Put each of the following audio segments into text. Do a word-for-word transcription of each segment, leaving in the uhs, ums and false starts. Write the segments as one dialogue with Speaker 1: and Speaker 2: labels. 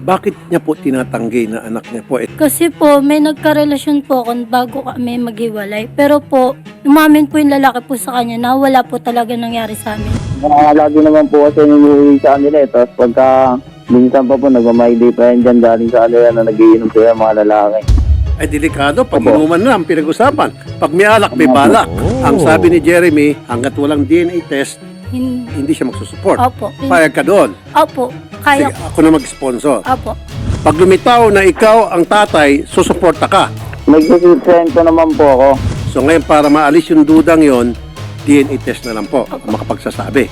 Speaker 1: Bakit niya po tinatanggi na anak niya po? Eh,
Speaker 2: Kasi po, may nagkarelasyon po ako bago kami maghiwalay. Pero po, umamin po yung lalaki po sa kanya na wala po talaga nangyari sa amin.
Speaker 3: Uh, lagi naman po kasi niliwi sa kanila eh. Tapos pagka minsan pa po nagmamayday pa yan dyan galing sa kanila na nagiinom sila mga lalaki.
Speaker 1: ay delikado. Pag
Speaker 3: Opo.
Speaker 1: inuman na ang pinag-usapan. Pag may alak, may balak. Ang sabi ni Jeremy, hanggat walang D N A test,
Speaker 2: Hin-
Speaker 1: hindi siya magsusupport.
Speaker 2: Opo.
Speaker 1: Payag ka doon.
Speaker 2: Opo.
Speaker 1: Sige,
Speaker 2: Kaya.
Speaker 1: ako na mag-sponsor.
Speaker 2: Opo.
Speaker 1: Pag lumitaw na ikaw ang tatay, susuporta ka.
Speaker 3: Nagsisilsento naman po ako.
Speaker 1: So ngayon, para maalis yung dudang yon, D N A test na lang po ang makapagsasabi.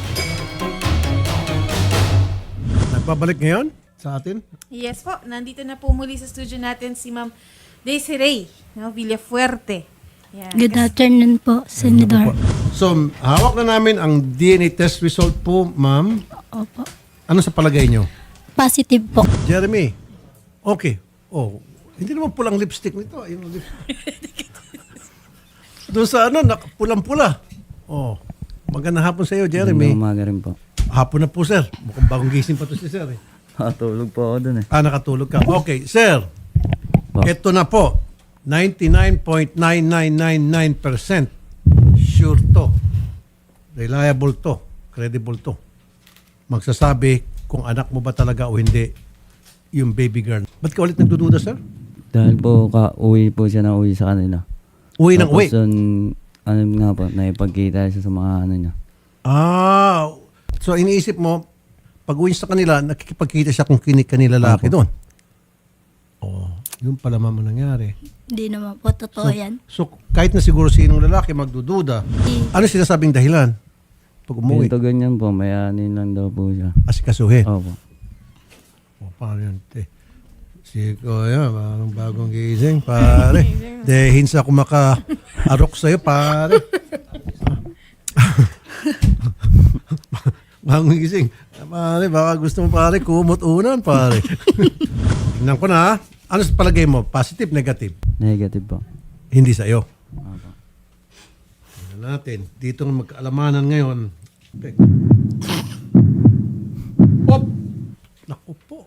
Speaker 1: Nagbabalik ngayon sa atin?
Speaker 4: Yes po, nandito na po muli sa studio natin si Ma'am Desiree, no, Villafuerte. Yan.
Speaker 2: Good afternoon po, Senador.
Speaker 1: So, hawak na namin ang D N A test result po, ma'am.
Speaker 2: Opo.
Speaker 1: Ano sa palagay nyo?
Speaker 2: Positive po.
Speaker 1: Jeremy, okay. Oh, hindi naman pulang lipstick nito. Yung lipstick. Doon sa ano, nak- pulang-pula. Oh, magandang hapon sa iyo, Jeremy.
Speaker 5: Magandang umaga rin po.
Speaker 1: Hapon na po, sir. Mukhang bagong gising pa to si sir. Eh.
Speaker 5: Nakatulog po ako dun eh.
Speaker 1: Ah, nakatulog ka. Okay, sir.
Speaker 5: Po.
Speaker 1: Ito na po. ninety-nine point nine nine nine nine percent sure to. Reliable to. Credible to. Magsasabi kung anak mo ba talaga o hindi yung baby girl. Ba't ka ulit nagdududa, sir?
Speaker 5: Dahil po ka-uwi po siya na uwi sa kanila.
Speaker 1: Uwi ng
Speaker 5: Tapos
Speaker 1: uwi.
Speaker 5: yun, ano nga po, naipagkita siya sa mga ano niya.
Speaker 1: Ah, so iniisip mo, pag uwi sa kanila, nakikipagkita siya kung kinik kanila lalaki doon. Oh, yun pala mama nangyari.
Speaker 2: Hindi naman po totoo yan.
Speaker 1: So, kahit na siguro sinong lalaki magdududa,
Speaker 2: Di-
Speaker 1: ano sinasabing dahilan? Pag umuwi,
Speaker 5: Ganito ganyan po, may anin lang daw po siya.
Speaker 1: asikasuhin.
Speaker 5: Opo.
Speaker 1: O, paano yun? Te? Si Kuya, parang bagong gising, pare. Dehin sa ako maka-arok sa'yo, pare. Bagong gising. Pare, baka gusto mo, pare, kumot unan, pare. Tingnan ko na, ha? Ano sa palagay mo? Positive, negative?
Speaker 5: Negative po.
Speaker 1: Hindi sa'yo.
Speaker 5: Opo.
Speaker 1: Tingnan natin. Dito ng magkaalamanan ngayon. Okay. Op! Naku po.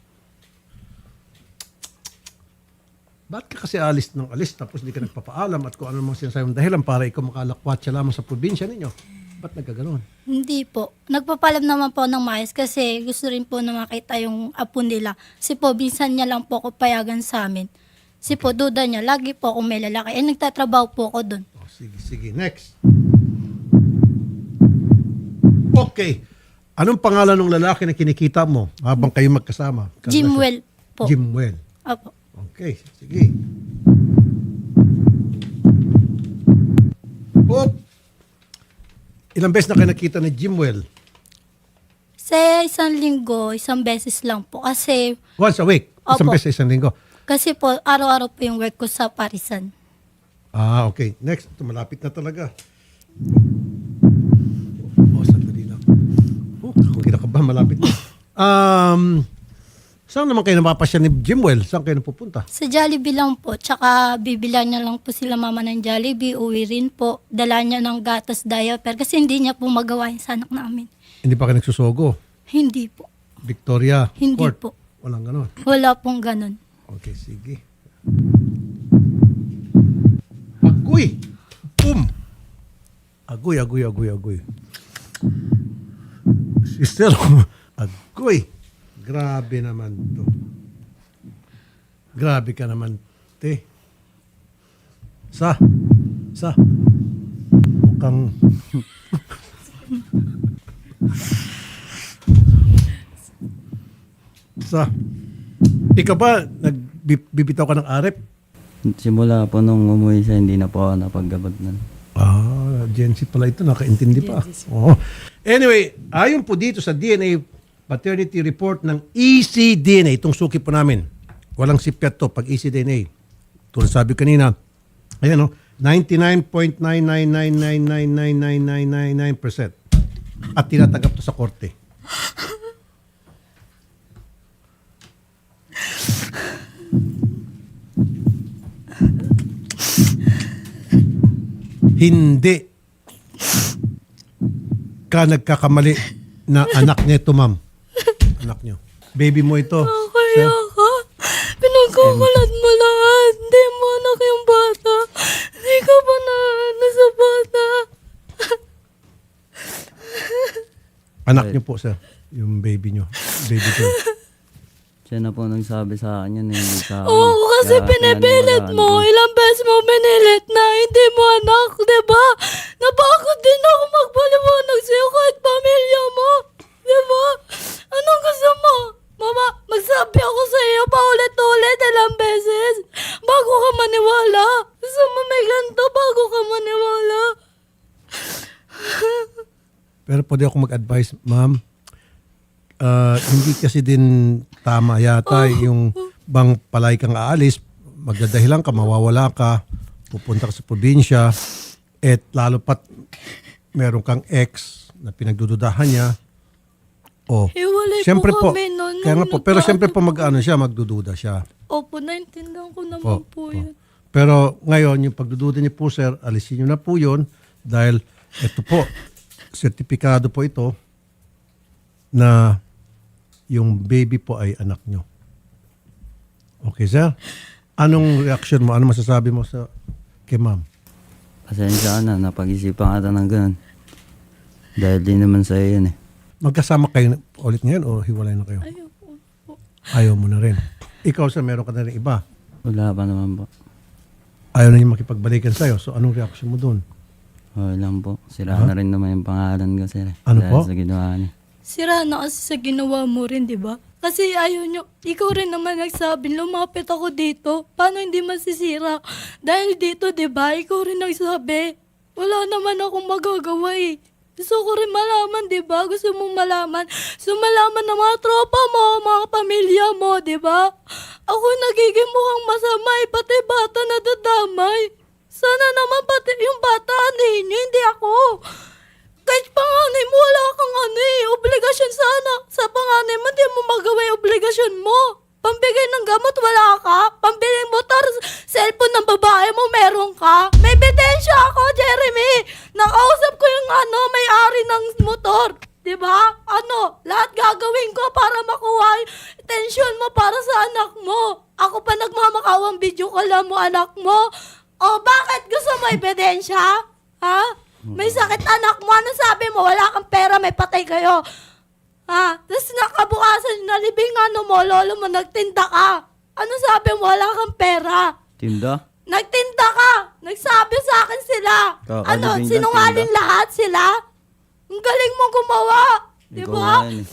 Speaker 1: Ba't ka kasi alis ng alis tapos hindi ka nagpapaalam at kung ano mga sinasabi mong dahilan para ikaw makalakwat siya lamang sa probinsya ninyo? Ba't nagkaganon?
Speaker 2: Hindi po. Nagpapalam naman po ng maayos kasi gusto rin po na makita yung apo nila. Kasi po, binsan niya lang po ako payagan sa amin. Kasi po, duda niya, lagi po akong may lalaki. Eh, nagtatrabaho po ako doon.
Speaker 1: Oh, sige, sige. Next. Okay. Anong pangalan ng lalaki na kinikita mo habang kayo magkasama?
Speaker 2: Jimwell po.
Speaker 1: Jimwell.
Speaker 2: Opo.
Speaker 1: Okay, sige. Op! Ilang beses na kayo nakita ni Jimwell?
Speaker 2: Sa isang linggo, isang beses lang po. Kasi,
Speaker 1: Once a week? Isang
Speaker 2: Opo.
Speaker 1: beses sa isang linggo?
Speaker 2: kasi po, araw-araw po yung work ko sa Parisan.
Speaker 1: Ah, okay. Next. Ito, malapit na talaga. Oh, sandali lang. Oh, kung kinakabahan, malapit na. Um, saan naman kayo napapasya ni Jimwell? Saan kayo napupunta?
Speaker 2: Sa Jollibee lang po. Tsaka bibilan niya lang po sila mama ng Jollibee. Uwi rin po. Dala niya ng gatas diaper. Kasi hindi niya po magawa yung sa anak namin.
Speaker 1: Hindi pa kayo nagsusogo?
Speaker 2: Hindi po.
Speaker 1: Victoria
Speaker 2: Hindi
Speaker 1: Court?
Speaker 2: po.
Speaker 1: Walang ganon.
Speaker 2: Wala pong ganun.
Speaker 1: Okay, sige. Agoy! Boom! Agoy, agoy, agoy, agoy. Sister, agoy. Grabe naman to. Grabe ka naman, te. Sa? Sa? Mukhang... Sa? Ikaw ba, nagbibitaw ka ng arep?
Speaker 5: Simula po nung umuwi siya, hindi na po ako napaggabot nun.
Speaker 1: Ah, Gen Z pala ito, nakaintindi pa. Oo. Anyway, ayon po dito sa D N A paternity report ng E C D N A, itong suki po namin. Walang sipyat to pag E C D N A. Tulad sabi kanina, ayan o, ninety-nine point nine nine nine nine nine nine nine nine nine nine percent. At tinatanggap to sa korte. Hindi ka nagkakamali na anak niya ito, ma'am. Anak niyo. Baby mo ito.
Speaker 2: Okay Kaya ka, pinagkukulat mo lahat. Hindi mo anak yung bata. Hindi ka pa na ano sa bata.
Speaker 1: Anak niyo po, sir. Yung baby niyo. Baby girl.
Speaker 5: Siya na po nagsabi sa akin yun, eh, hindi sa akin.
Speaker 2: Oo, kasi
Speaker 5: Kaya
Speaker 2: pinipilit
Speaker 5: pinaniwalaan
Speaker 2: mo.
Speaker 5: ko.
Speaker 2: Ilang beses mo pinilit na hindi mo anak, di ba? Napagod din ako magpaliwanag sa'yo kahit pamilya mo. Di ba? Anong gusto mo? Mama, magsabi ako sa iyo paulit-ulit ilang beses bago ka maniwala. Gusto mo may ganito bago ka maniwala.
Speaker 1: Pero pwede ako mag-advise, ma'am. Ah, hindi kasi din tama yata yung bang palay kang aalis, magdadahilan ka, mawawala ka, pupunta ka sa probinsya, at lalo pat meron kang ex na pinagdududahan niya. Oh,
Speaker 2: Hiwalay
Speaker 1: siyempre
Speaker 2: po
Speaker 1: po,
Speaker 2: kami noon.
Speaker 1: kaya nga
Speaker 2: nung
Speaker 1: po, pero
Speaker 2: nagka-
Speaker 1: siyempre po mag-ano siya, magdududa siya.
Speaker 2: Opo, naintindihan ko naman
Speaker 1: Po,
Speaker 2: po,
Speaker 1: po.
Speaker 2: yun.
Speaker 1: Pero ngayon, yung pagdududa niyo po, sir, alisin niyo na po yun dahil ito po, sertipikado po ito na yung baby po ay anak niyo. Okay, sir? Anong reaction mo? Ano masasabi mo sa kay ma'am?
Speaker 5: Pasensya ka na, napag-isipan ka ng ganun. Dahil di naman sa'yo yun eh.
Speaker 1: Magkasama kayo ulit ngayon o hiwalay na kayo?
Speaker 2: Ayoko po.
Speaker 1: Ayaw mo na rin. Ikaw, sir, meron ka na rin iba.
Speaker 5: Wala pa naman po.
Speaker 1: Ayaw na niya makipagbalikan sa'yo. So, anong reaction mo doon?
Speaker 5: Okay lang po. Sira na rin naman yung pangalan ko, sir. eh.
Speaker 1: Ano
Speaker 5: Dahil
Speaker 1: po?
Speaker 5: sa ginawa niya.
Speaker 2: Sira na kasi sa ginawa mo rin, di ba? Kasi ayaw nyo, ikaw rin naman nagsabi, lumapit ako dito. Paano hindi masisira? Dahil dito, di ba? Ikaw rin nagsabi. Wala naman akong magagawa eh. Gusto ko rin malaman, di ba? Gusto mong malaman. Gusto malaman ng mga tropa mo, mga pamilya mo, di ba? Ako nagiging mukhang masama eh, pati bata na dadamay. Sana naman pati yung bata, anin nyo, hindi ako. Kahit panganay mo, wala kang ano eh, obligasyon sa anak. Sa panganay mo, di mo magawa yung obligasyon mo. Pambigay ng gamot, wala ka. Pambiling motor, cellphone ng babae mo, meron ka. May ebidensya ako, Jeremy. Nakausap ko yung ano, may-ari ng motor. Diba? Ano, lahat gagawin ko para makuha yung atensyon mo para sa anak mo. Ako pa nagmamakawang video call mo, anak mo. O, bakit gusto mo ebidensya? Ha? May sakit anak mo. Ano sabi mo? Wala kang pera, may patay kayo. Ha? Tapos nakabukasan, nalibing ano mo, lolo mo, nagtinda ka. Ano sabi mo? Wala kang pera.
Speaker 5: Tinda?
Speaker 2: Nagtinda ka. Nagsabi sa akin sila.
Speaker 5: Kakalibing
Speaker 2: Ano,
Speaker 5: lang,
Speaker 2: sinungaling
Speaker 5: tinda.
Speaker 2: lahat sila? Ang galing mo gumawa. Di
Speaker 5: Ikaw
Speaker 2: ba?
Speaker 5: nga yun eh.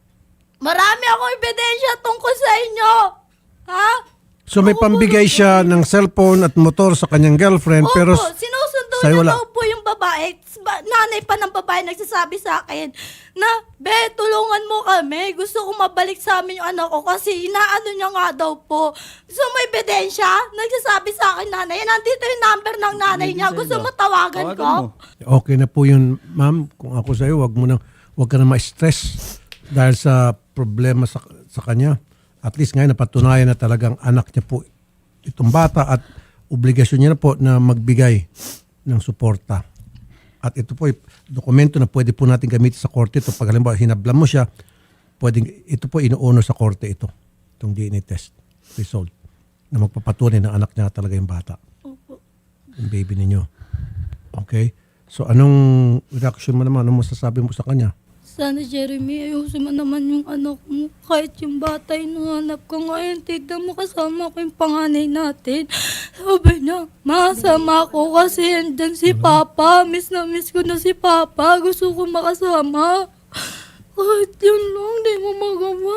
Speaker 2: Marami akong ebidensya tungkol sa inyo. Ha?
Speaker 1: So may pambigay siya ng cellphone at motor sa kanyang girlfriend
Speaker 2: Opo,
Speaker 1: pero
Speaker 2: sinusundo
Speaker 1: sa'yo
Speaker 2: na
Speaker 1: wala.
Speaker 2: daw po yung babae. Ba- Nanay pa ng babae nagsasabi sa akin na, Be, tulungan mo kami. Gusto ko mabalik sa amin yung anak ko kasi inaano niya nga daw po. Gusto mo ebidensya? Nagsasabi sa akin nanay. Nandito yung number ng nanay
Speaker 5: Hindi
Speaker 2: niya.
Speaker 5: sa'yo
Speaker 2: Gusto
Speaker 5: ba?
Speaker 2: mo tawagan ko?
Speaker 5: Tawagan mo.
Speaker 1: okay na po yun, ma'am. Kung ako sa'yo, wag mo na, wag ka na ma-stress dahil sa problema sa, sa kanya. At least ngayon napatunayan na talagang anak niya po itong bata at obligasyon niya na po na magbigay ng suporta. At ito po, dokumento na pwede po natin gamitin sa korte ito. Pag halimbawa, hinablan mo siya, pwedeng, ito po inuuno sa korte ito, itong D N A test result, na magpapatunay na anak niya talaga yung bata.
Speaker 2: Opo.
Speaker 1: Yung baby ninyo. Okay? So, anong reaction mo naman? Anong masasabi mo sa kanya?
Speaker 2: Sana, Jeremy, ayusin mo naman yung anak mo. Kahit yung bata yung nanganap ko ngayon, tignan mo kasama ko yung panganay natin. Sabi niya, masama ko kasi andyan si Papa. Miss na miss ko na si Papa. Gusto ko makasama. Kahit yun lang, di mo magawa.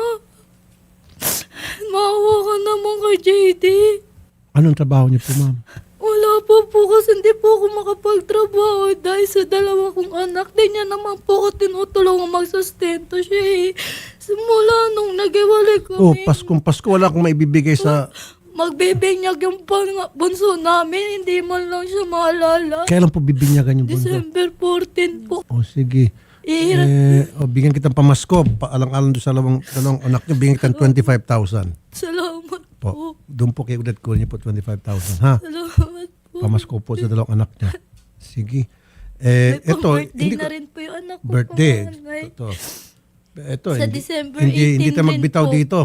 Speaker 2: Maawa ka naman kay J D.
Speaker 1: Anong trabaho niyo po, ma'am?
Speaker 2: Wala po po kasi hindi po ako makapagtrabaho dahil sa dalawa kong anak. Di niya naman po ako tinutulungan magsustento siya eh. Simula nung nag-iwalay kami.
Speaker 1: Oh, Paskong Pasko, wala akong maibibigay sa...
Speaker 2: Magbibinyag yung pang- bunso namin. Hindi man lang siya maalala.
Speaker 1: Kailan po bibinyagan yung bunso?
Speaker 2: December fourteenth po.
Speaker 1: Oh, sige.
Speaker 2: Ihirap.
Speaker 1: Eh, oh, bigyan kitang pamasko. Paalang-alang doon sa dalawang, dalawang anak niyo, bigyan kitang twenty-five thousand.
Speaker 2: Salamat
Speaker 1: Po.
Speaker 2: po.
Speaker 1: Doon po kay Udet ko niyo po twenty-five thousand, ha?
Speaker 2: Salamat po.
Speaker 1: Pamasko po sa dalawang anak niya. Sige. Eh,
Speaker 2: May
Speaker 1: ito,
Speaker 2: pang-birthday
Speaker 1: hindi
Speaker 2: na
Speaker 1: ko,
Speaker 2: rin po yung anak ko.
Speaker 1: birthday.
Speaker 2: panganay.
Speaker 1: Ito. Ito,
Speaker 2: Sa
Speaker 1: hindi,
Speaker 2: December
Speaker 1: hindi, hindi
Speaker 2: eighteen
Speaker 1: tayo
Speaker 2: din
Speaker 1: magbitaw
Speaker 2: po.
Speaker 1: dito.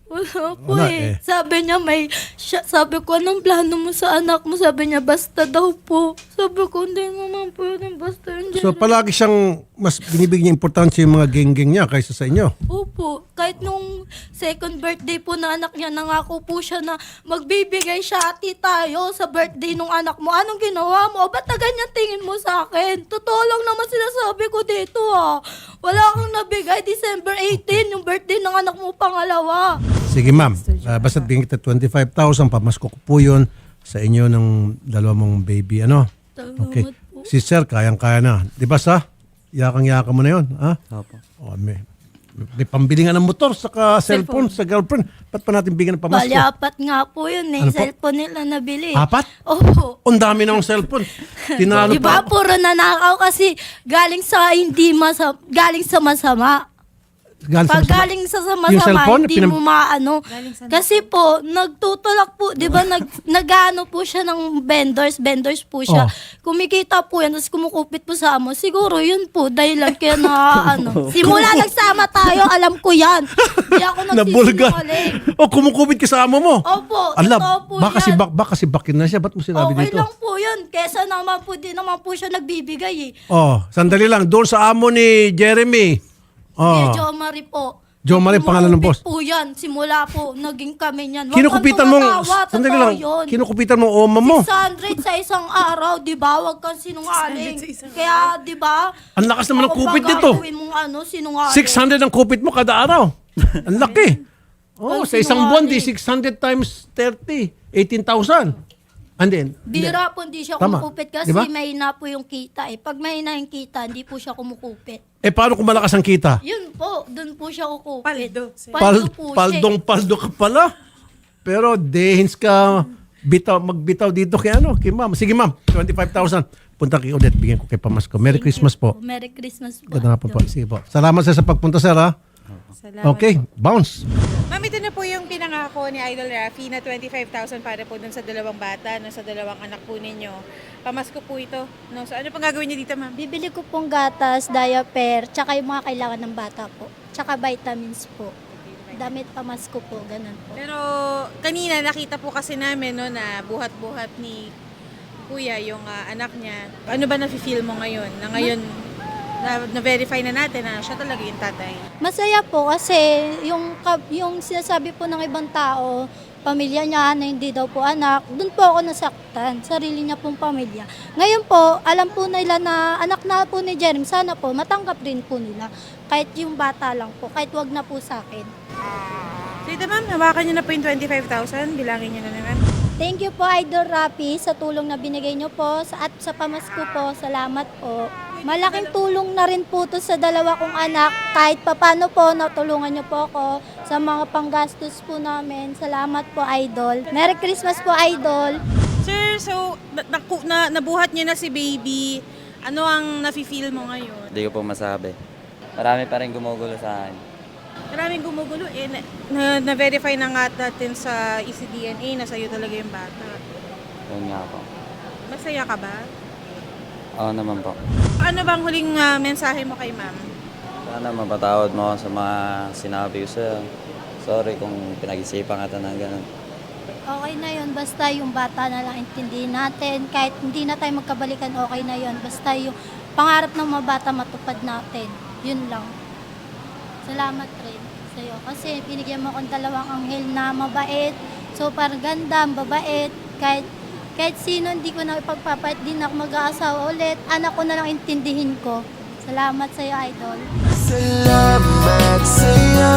Speaker 2: Wala po
Speaker 1: Wala eh.
Speaker 2: eh. Sabi niya may, siya, sabi ko, anong plano mo sa anak mo? Sabi niya, basta daw po. Sabi ko, hindi naman po yun, basta yun.
Speaker 1: So palagi siyang mas binibigyan niya importansya yung mga geng-geng niya kaysa sa inyo.
Speaker 2: Opo. Kahit nung second birthday po ng anak niya, nangako po siya na magbibigay siya, ati tayo sa birthday nung anak mo. Anong ginawa mo? Ba't na ganyan tingin mo sa akin? Totoo lang naman sinasabi ko dito ah. Wala kang nabigay. December eighteenth, yung birthday ng anak mo pangalawa.
Speaker 1: Sige ma'am, uh, basta bigyan kita twenty-five thousand, pamasko ko po yun sa inyo ng dalawa mong baby. Ano?
Speaker 2: Salamat
Speaker 1: Okay.
Speaker 2: po.
Speaker 1: Si sir, kayang-kaya na. Di ba sa? Yakang-yaka mo na yun. Ha?
Speaker 5: Opo.
Speaker 1: O, may, may pambili nga ng motor saka cellphone, sa girlfriend. Ba't pa natin bigyan ng pamasko?
Speaker 2: Bali, apat nga po yun eh.
Speaker 1: Ano po?
Speaker 2: Cellphone nila nabili.
Speaker 1: Apat?
Speaker 2: Opo.
Speaker 1: Ang dami namang cellphone. Tinalo
Speaker 2: Diba,
Speaker 1: pa.
Speaker 2: puro nanakaw kasi galing sa hindi masama, galing sa masama.
Speaker 1: Galing sa
Speaker 2: Pag
Speaker 1: masama.
Speaker 2: galing sa
Speaker 1: Yung
Speaker 2: masama,
Speaker 1: cellphone,
Speaker 2: hindi
Speaker 1: pinam-
Speaker 2: mo maano.
Speaker 4: Galing sa
Speaker 2: Kasi po, nagtutulak po, di ba, nag, nag-ano po siya ng vendors, vendors po siya.
Speaker 1: Oh.
Speaker 2: Kumikita po yan, tapos kumukupit po sa amo. Siguro yun po, dahilan kaya na, ano. Simula nagsama tayo, alam ko yan. Hindi ako
Speaker 1: Nabulga.
Speaker 2: nagsisinungaling.
Speaker 1: O, kumukubit ka sa amo mo.
Speaker 2: Opo,
Speaker 1: Ala,
Speaker 2: totoo po
Speaker 1: baka si
Speaker 2: yan.
Speaker 1: bak baka si bakin na siya. Ba't mo sinabi
Speaker 2: Okay
Speaker 1: dito?
Speaker 2: lang po yun. Kesa naman po, di naman po siya nagbibigay eh.
Speaker 1: Oh, sandali lang. Doon sa amo ni Jeremy. Oh.
Speaker 2: Oh. Jo Marie po.
Speaker 1: Jo Marie, pangalan ng boss.
Speaker 2: Kumukupit po yan. Simula po, naging kami niyan. Huwag
Speaker 1: Kinukupitan
Speaker 2: kang
Speaker 1: mo,
Speaker 2: tumatawa,
Speaker 1: sandali
Speaker 2: totoo
Speaker 1: lang.
Speaker 2: yun.
Speaker 1: Kinukupitan mo oma mo.
Speaker 2: six hundred sa isang araw, di ba? Huwag kang sinungaling. Kaya, di ba?
Speaker 1: Ang lakas naman ng
Speaker 2: Ako
Speaker 1: kupit
Speaker 2: pa
Speaker 1: nito.
Speaker 2: gagawin mong ano, sinungaling.
Speaker 1: six hundred ang kupit mo kada araw. Ang laki. Oh,
Speaker 2: Ang
Speaker 1: sa isang buwan, di
Speaker 2: sinungaling.
Speaker 1: six hundred times thirty. eighteen thousand. And then,
Speaker 2: Bira po, hindi siya
Speaker 1: Tama.
Speaker 2: kumukupit kasi
Speaker 1: Di ba?
Speaker 2: mahina po yung kita eh. Pag mahina yung kita, hindi po siya kumukupit.
Speaker 1: eh paano kung malakas ang kita?
Speaker 2: Yun po, dun po siya kukupit.
Speaker 4: Paldo.
Speaker 2: Paldo
Speaker 1: Pal,
Speaker 2: po siya.
Speaker 1: paldong paldo ka pala. Pero dehins ka bitaw, magbitaw dito kay ano, kay ma'am. Sige ma'am, twenty-five thousand. Punta kay Odette, bigyan ko kay Pamasko. Merry Christmas po.
Speaker 2: Merry Christmas po.
Speaker 1: Ganda nga po po. Sige po. Salamat sa sa pagpunta, sir, ha?
Speaker 4: Salamat.
Speaker 1: Okay, bounce.
Speaker 4: Ma'am, ito na po yung pinangako ni Idol Rafi na twenty-five thousand para po dun sa dalawang bata, no, sa dalawang anak po ninyo. Pamasko po ito. No? So ano pang gagawin niyo dito, ma'am?
Speaker 2: Bibili ko pong gatas, diaper, tsaka yung mga kailangan ng bata po. Tsaka vitamins po. Damit pamasko po, ganun po.
Speaker 4: Pero kanina nakita po kasi namin no, na buhat-buhat ni Kuya yung ah, anak niya. Ano ba nafe-feel mo ngayon? Na ngayon na- na-verify na natin na siya talaga yung tatay.
Speaker 2: Masaya po kasi yung, kab- yung sinasabi po ng ibang tao, pamilya niya na hindi daw po anak, doon po ako nasaktan, sarili niya pong pamilya. Ngayon po, alam po nila na anak na po ni Jeremy, sana po matanggap rin po nila. Kahit yung bata lang po, kahit wag na po sa akin.
Speaker 4: So ito ma'am, hawakan niyo na po yung twenty-five thousand. Bilangin niyo na naman.
Speaker 2: Thank you po Idol Rapi sa tulong na binigay niyo po sa, at sa pamasko po. Salamat po. Malaking tulong na rin po to sa dalawa kong anak. Kahit papano po, natulungan niyo po ako sa mga panggastos po namin. Salamat po Idol. Merry Christmas po Idol.
Speaker 4: Sir, so na, naku- na, nabuhat niyo na si baby. Ano ang nafe-feel mo ngayon?
Speaker 5: Hindi ko po masabi. Marami pa rin gumugulo sa akin.
Speaker 4: Maraming gumugulo eh. Na, na- na-verify na nga natin sa E C D N A na sa'yo talaga yung bata.
Speaker 5: Yun nga po.
Speaker 4: Masaya ka ba?
Speaker 5: Oo naman po.
Speaker 4: Ano bang huling ah, mensahe mo kay ma'am?
Speaker 5: Sana mapatawad mo ako sa mga sinabi ko sa'yo. Sorry kung pinag-isipan ka ng ganun.
Speaker 2: Okay na yun, basta yung bata na lang intindihin natin. Kahit hindi na tayo magkabalikan, okay na yun. Basta yung pangarap ng mga bata matupad natin. Yun lang. Salamat rin sa'yo. Kasi binigyan mo akong dalawang anghel na mabait, super ganda, mabait. Kahit, kahit sino hindi ko na ipagpapalit, din ako mag-aasawa ulit. Anak ko na lang intindihin ko. Salamat sa'yo, Idol.
Speaker 6: Salamat sa'yo.